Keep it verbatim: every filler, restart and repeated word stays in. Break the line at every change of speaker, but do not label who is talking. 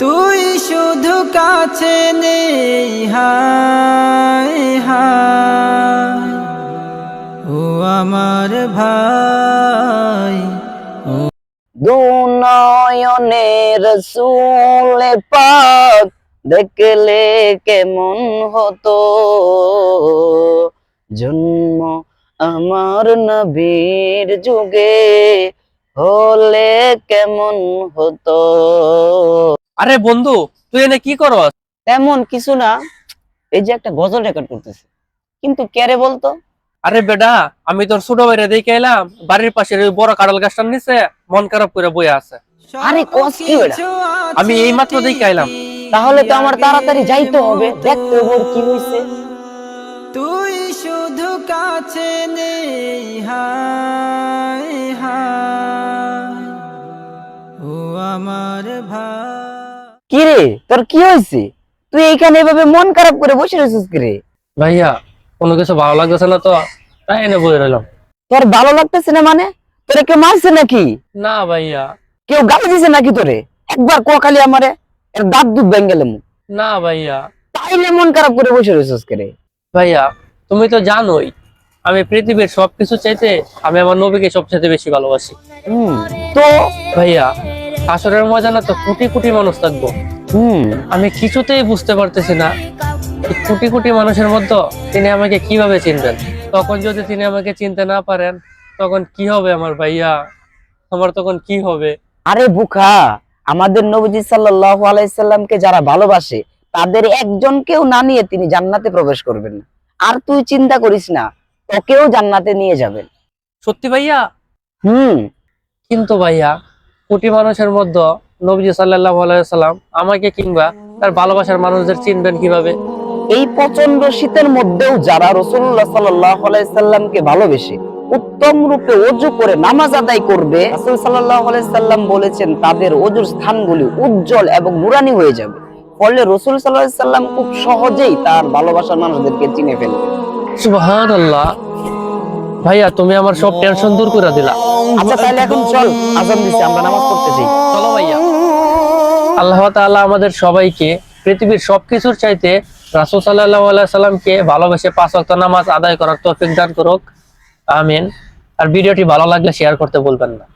তুই শুধু কাছে নেই হায় হায় ও আমার ভাই।
দু নয়নে রসুল পাক দেখলে কেমন হতো, জন্ম আমার নবীর যুগে হলে কেমন হতো।
আরে বন্ধু, তুই এনে কি করস?
তেমন কিছু না, এই যে একটা গজল রেকর্ড করতেছে। কিন্তু কেরে বলতো?
আরে বেডা, আমি তোর ছোট ভাইরে দেখে এলাম বাড়ির পাশের ওই বড় কাঁঠাল গাছটার নিচে মন খারাপ করে বয়ে আছে।
আরে কস কি বেটা?
আমি এই মাত্র দেখে এলাম।
তাহলে তো আমার তাড়াতাড়ি যাইতে হবে, দেখতে হবে ওর কি হয়েছে।
তুই শুধু কাছে নেই হায় হায় ও আমার ভাই।
কি রে, তোর কি হয়েছে? তুই এইখানে এভাবে মন খারাপ করে বসে রয়েছিস কি রে?
ভাইয়া, কোনো কিছু ভালো লাগতেছে না তো তাই এনে বয়ে রইলাম।
তোর ভালো লাগতেছে না মানে? তোরে কেউ মারছে নাকি?
না ভাইয়া।
কেউ গালি দিছে নাকি তোরে? একবার কো খালি আমারে, এর দাঁত দুধ ভেঙে গেলাম।
না ভাইয়া।
তাইলে মন খারাপ করে বসে রয়েছিস কি রে?
ভাইয়া, তুমি তো জানোই আমি পৃথিবীর সবকিছু চাইতে আমি আমার নবীকে সবচেয়ে বেশি ভালোবাসি।
হুম, তো
ভাইয়া, আসরের ময়দানে তো কোটি কোটি মানুষ থাকবো।
হুম
আমি কিছুতেই বুঝতে পারতেছি না এই কোটি কোটি মানুষের মধ্যে তিনি আমাকে কিভাবে চিনবেন। তখন যদি তিনি আমাকে চিনতে না পারেন তখন কি হবে আমার ভাইয়া? আমার তখন কি হবে?
আরে বুকা, আমাদের নবীজি সাল্লাল্লাহু আলাইহি সাল্লামকে যারা ভালোবাসে তাদের একজনকেও না নিয়ে তিনি জান্নাতে প্রবেশ করবেন না। আর তুই চিন্তা করিস না, তোকেও জান্নাতে নিয়ে যাবেন।
সত্যি ভাইয়া?
হুম
কিন্তু ভাইয়া, কোটি মানুষের মধ্যে নবীজি সাল্লাল্লাহু আলাইহি সাল্লাম আমাকে কিংবা তার ভালোবাসার মানুষদের চিনবেন কিভাবে?
এই প্রচন্ড শীতের মধ্যেও যারা রাসূলুল্লাহ সাল্লাল্লাহু আলাইহি সাল্লামকে ভালোবেসে উত্তম রূপে ওযু করে নামাজ আদায় করবে, রাসূল সাল্লাল্লাহু আলাইহি সাল্লাম বলেছেন তাদের ওযুর স্থানগুলি উজ্জ্বল এবং নুরানি হয়ে যাবে। ফলে রাসূল সাল্লাল্লাহু আলাইহি সাল্লাম খুব সহজেই তার ভালোবাসার মানুষদেরকে চিনে ফেলবে।
সুবহানাল্লাহ। ভাইয়া, তুমি আমার সব টেনশন দূর করে দিলা।
আচ্ছা তাহলে এখন চল, আযান দিছে, আমরা নামাজ পড়তে যাই।
চলো ভাইয়া। আল্লাহ তাআলা আমাদের সবাইকে পৃথিবীর সবকিছুর চাইতে রাসূল সাল্লাল্লাহু আলাইহি সাল্লামকে ভালোবেসে পাঁচ ওয়াক্ত নামাজ আদায় করার তৌফিক দান করুক। আমিন। আর ভিডিওটি ভালো লাগলে শেয়ার করতে ভুলবেন না।